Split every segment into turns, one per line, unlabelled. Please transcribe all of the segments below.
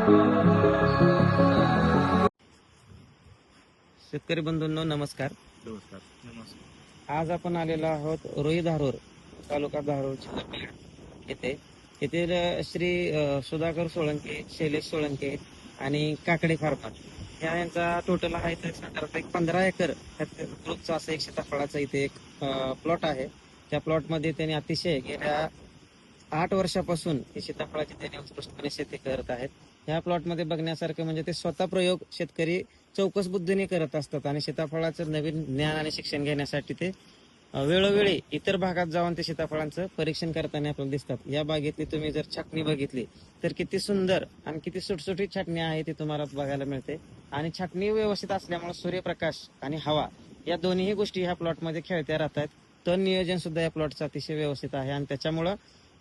शेतकरी बंधूंनो नमस्कार. आज आपण आलेलो आहोत रोई धारूर तालुका धारूर जिल्हा बीड येथे. येथील श्री सुधाकर सोळंके, शैलेश सोळंके आणि काकडे फार्मर यांचा टोटल आहे तर साधारणतः एक 15 एकर ग्रुपचा असं एक सीताफळाचा इथे एक प्लॉट आहे. त्या प्लॉटमध्ये त्यांनी अतिशय गेल्या 8 वर्षापासून ही सीताफळाची त्यांनी उत्कृष्टपणे शेती करत आहेत. ह्या प्लॉटमध्ये बघण्यासारखं म्हणजे ते स्वतः प्रयोग शेतकरी चौकस बुद्धीने करत असतात आणि सीताफळाचं नवीन ज्ञान आणि शिक्षण घेण्यासाठी ते वेळोवेळी इतर भागात जाऊन ते सीताफळांचं परीक्षण करताना आपल्याला दिसतात. या बागेतली तुम्ही जर छाटणी बघितली तर किती सुंदर आणि किती सुटसुटीत छाटणी आहे ती तुम्हाला बघायला मिळते. आणि छाटणी व्यवस्थित असल्यामुळे सूर्यप्रकाश आणि हवा या दोन्ही गोष्टी ह्या प्लॉटमध्ये खेळत्या राहतात. तण नियोजन सुद्धा या प्लॉटचं अतिशय व्यवस्थित आहे आणि त्याच्यामुळं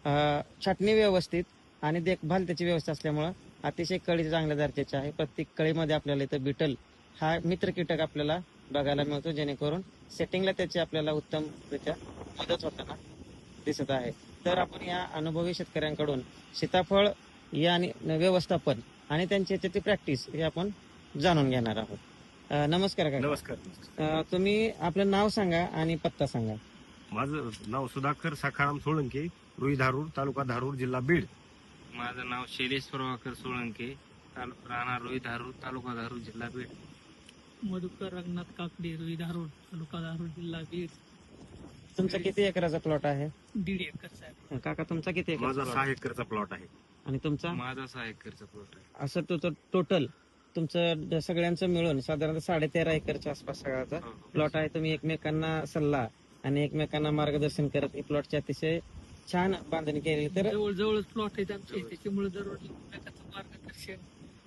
छाटणी व्यवस्थित आणि देखभाल त्याची व्यवस्था असल्यामुळं अतिशय कळी चांगल्या दर्जाची आहे. प्रत्येक कळीमध्ये आपल्याला इथं बिटल हा मित्र कीटक आपल्याला बघायला मिळतो, जेणेकरून सेटिंगला त्याची आपल्याला उत्तमरित्या मदत होताना दिसत आहे. तर आपण या अनुभवी शेतकऱ्यांकडून सीताफळ या व्यवस्थापन आणि त्यांची याची प्रॅक्टिस हे आपण जाणून घेणार आहोत. नमस्कार काका.
नमस्कार.
तुम्ही आपलं नाव सांगा आणि पत्ता सांगा.
माझं नाव सुधाकर सखाराम सोळंके, रुई धारूर, तालुका धारूर, जिल्हा बीड.
माझं नाव शैलेश प्रभाकर सोळंके, राहणार रुई धारूर, तालुका धारूर, जिल्हा बीड.
मधुकर रंगनाथ काकडे, रुई धारूर, तालुका धारूर, जिल्हा बीड.
तुमचा किती एकराचा प्लॉट आहे?
1.5 एकरचा आहे.
काका तुमचा किती एकर?
माझा 6 एकरचा प्लॉट आहे.
आणि तुमचा?
माझा 6 एकरचा प्लॉट आहे.
असं तो टोटल तुमचं सगळ्यांचं मिळून साधारणतः 13.5 एकरच्या आसपास सगळ्याचा प्लॉट आहे. तुम्ही एकमेकांना सल्ला आणि एकमेकांना मार्गदर्शन करत ही प्लॉटची अतिशय छान बांधणी केली. तर
जवळच प्लॉट आहेत आमचे, त्याच्यामुळे दररोज एकमेकांचं मार्गदर्शन,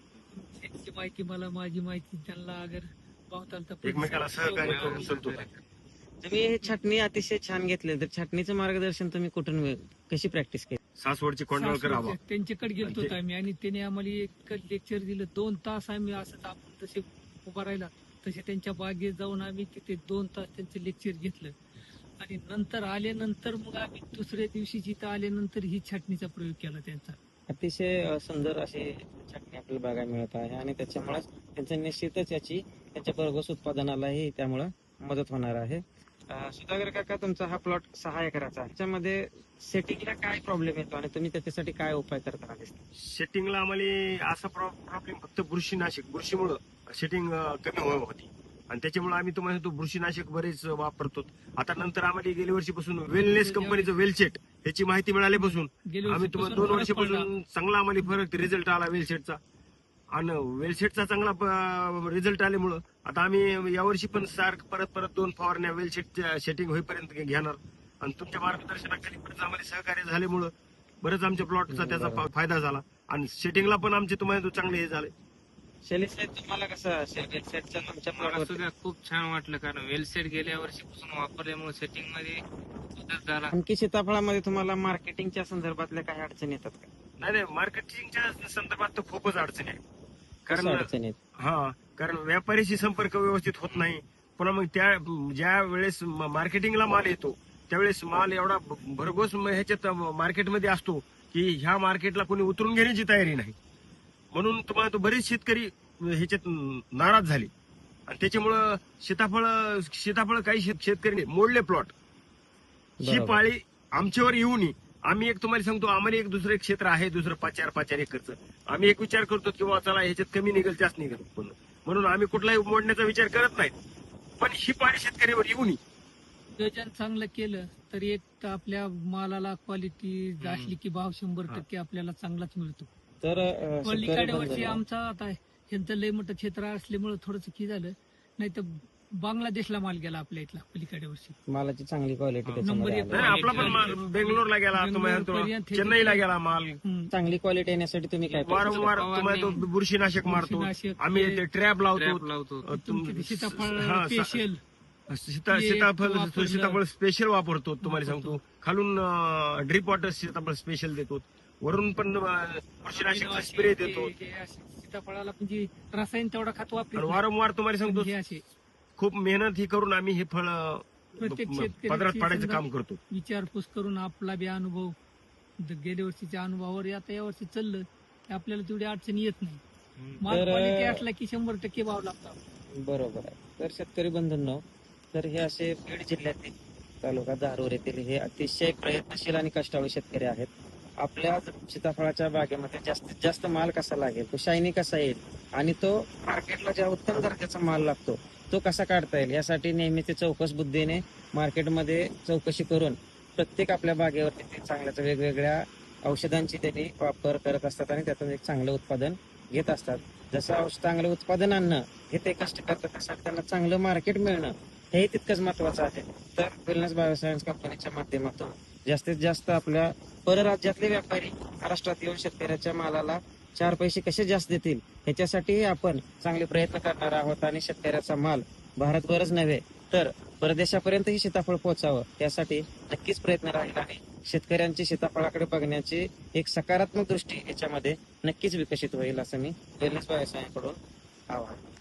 त्यांची माहिती मला, माझी माहिती त्यांना, अगर पावताल तर
एकमेकाला सहकार्य करून संतोष आहे.
तुम्ही हे छाटणी अतिशय छान घेतली. तर छाटणीचं मार्गदर्शन तुम्ही कुठून कशी प्रॅक्टिस केली?
सासवडची कोंडवळकर हवा
त्यांच्याकडे गेलतो आम्ही आणि त्याने आम्हाला एक लेक्चर दिलं. 2 तास आम्ही असं आपण तसे उभा राहिला तसे त्यांच्या बागेत जाऊन आम्ही तिथे 2 तास त्यांचं लेक्चर घेतलं. आणि नंतर आल्यानंतर मग आम्ही दुसऱ्या दिवशी जिथं आल्यानंतर ही छाटणीचा प्रयोग केला त्यांचा.
अतिशय सुंदर अशी छाटणी आपल्याला बघायला मिळत आहे आणि त्याच्यामुळे त्यांचं निश्चितच याची त्यांच्या भरघोस उत्पादनालाही त्यामुळं मदत होणार आहे. सुधाकर काका, तुमचा हा प्लॉट 6 एकराचा आहे. त्याच्यामध्ये सेटिंगला काय प्रॉब्लेम येतो आणि तुम्ही त्याच्यासाठी काय उपाय करताना दिसतो?
सेटिंगला आम्हाला असा प्रॉब्लेम फक्त बुरशीमुळं सेटिंग कमी होती आणि त्याच्यामुळे आम्ही तुम्हाला तो बुरशीनाशक बरेच वापरतो. आता नंतर आम्हाला गेल्या वर्षीपासून वेलनेस कंपनीचं वेलसेट ह्याची माहिती मिळाल्यापासून आम्ही तुम्हाला 2 वर्षापासून चांगला आम्हाला फरक रिझल्ट आला वेलसेटचा. आणि वेलसेटचा चांगला रिझल्ट आल्यामुळं आता आम्ही यावर्षी पण परत 2 फवारण्या वेलसेटच्या सेटिंग होईपर्यंत घेणार. आणि तुमच्या मार्गदर्शनाखाली बरंच आम्हाला सहकार्य झाल्यामुळं बरंच आमच्या प्लॉटचा त्याचा फायदा झाला आणि सेटिंगला पण आमचे तुम्हाला चांगले हे झाले.
शैलेश साहेब, तुम्हाला कसं वेलसेटचा तुमच्या
मला
प्लॉट
सुद्धा खूप छान वाटलं, कारण वेलसेट गेल्या वर्षीपासून वापरल्यामुळे सेटिंग मध्ये बदल झाला.
आणखी सीताफळामध्ये तुम्हाला मार्केटिंगच्या संदर्भातल्या काही अडचणी येतात का?
नाही, मार्केटिंगच्या संदर्भात तर खूपच अडचणी आहे.
कसं अडचणी आहेत?
कारण व्यापारीशी संपर्क व्यवस्थित होत नाही. पुन्हा मग ज्या वेळेस मार्केटिंगला माल येतो त्यावेळेस माल एवढा भरघोस ह्याच्यात मार्केटमध्ये असतो की ह्या मार्केटला कोणी उतरून घेण्याची तयारी नाही. म्हणून तुम्हाला तो बरेच शेतकरी ह्याच्यात नाराज झाले आणि त्याच्यामुळं सीताफळ काही शेतकरी मोडले प्लॉट. ही पाळी आमच्यावर येऊ नये. आम्ही एक तुम्हाला सांगतो, आम्हाला एक दुसरं एक क्षेत्र आहे, दुसरं 5-4 एकरचं. आम्ही एक विचार करतो किंवा चला ह्याच्यात कमी निघेल जास्त निघेल, म्हणून आम्ही कुठलाही मोडण्याचा विचार करत नाही. पण ही पाळी शेतकऱ्यावर येऊ नये.
नियोजन चांगलं केलं तर एक तर आपल्या मालाला क्वालिटी असली की भाव 100% आपल्याला चांगलाच मिळतो.
तर
पलीकडे वर्षी आमचा आता ह्यांचं लय मोठं क्षेत्र असल्यामुळे थोडंसं की झालं, नाही तर बांगलादेशला माल गेला आपल्या इथला पलीकडे वर्षी.
मालाची चांगली क्वालिटी
नंबर एक.
नाही, आपला पण माल बेंगलोरला गेला, तुम्हाला चेन्नईला गेला माल.
चांगली क्वालिटी येण्यासाठी तुम्ही काय
वारंवार तुम्हाला तो बुरशीनाशक मारतो. आम्ही ते ट्रॅप लावतो.
सीताफळ स्पेशल
सीताफळ स्पेशल वापरतो. तुम्हाला सांगतो, खालून ड्रिप वॉटर सीताफळ स्पेशल देतो, वरून पण बुरशीनाशक स्प्रे देतो.
सीताफळाला म्हणजे रसायन तेवढा खत वापरतो.
वारंवार तुम्हाला सांगतो, खूप मेहनत ही करून आम्ही हे फळ
प्रत्येक
पदरात पाडायचं काम करतो.
विचारपूस करून आपला बी अनुभव गेल्या वर्षीच्या अनुभवावर आता या वर्षी चाललं आपल्याला तेवढी अडचणी येत नाही.
हम्म.
माल
तर-
क्वालिटी असला की 100% भाव लागतो.
बरोबर आहे. तर शेतकरी बंधूंनो, तर हे असे बीड जिल्ह्यातील तालुका धारूर येथील हे अतिशय प्रयत्नशील आणि कष्टाळू शेतकरी आहेत. आपल्या सीताफळाच्या बागेमध्ये जास्तीत जास्त माल कसा लागेल, तो शायनी कसा येईल आणि तो मार्केटला ज्या उत्तम दर्जाचा माल लागतो तो कसा काढता येईल यासाठी नेहमी ते चौकस बुद्धीने मार्केटमध्ये चौकशी करून प्रत्येक आपल्या बागेवरती ते चांगल्याच वेगवेगळ्या औषधांची त्यांनी वापर करत असतात आणि त्यातून एक चांगलं उत्पादन घेत असतात. जसं चांगलं उत्पादन आणणं हे ते कष्ट करतात त्यासाठी त्यांना चांगलं मार्केट मिळणं हे तितकंच महत्वाचं आहे. तर वेलनेस बायोसायन्स कंपनीच्या माध्यमातून जास्तीत जास्त आपल्या परराज्यातले व्यापारी महाराष्ट्रात येऊन शेतकऱ्याच्या मालाला 4 पैसे कसे जास्त देतील ह्याच्यासाठी आपण चांगले प्रयत्न करणार आहोत आणि शेतकऱ्याचा माल भारतभरच नव्हे तर परदेशापर्यंतही सीताफळ पोहोचावं यासाठी नक्कीच प्रयत्न राहील आणि शेतकऱ्यांची सीताफळाकडे बघण्याची एक सकारात्मक दृष्टी याच्यामध्ये नक्कीच विकसित होईल असं मी वेलनेस बायोसायन्सकडून आवाहन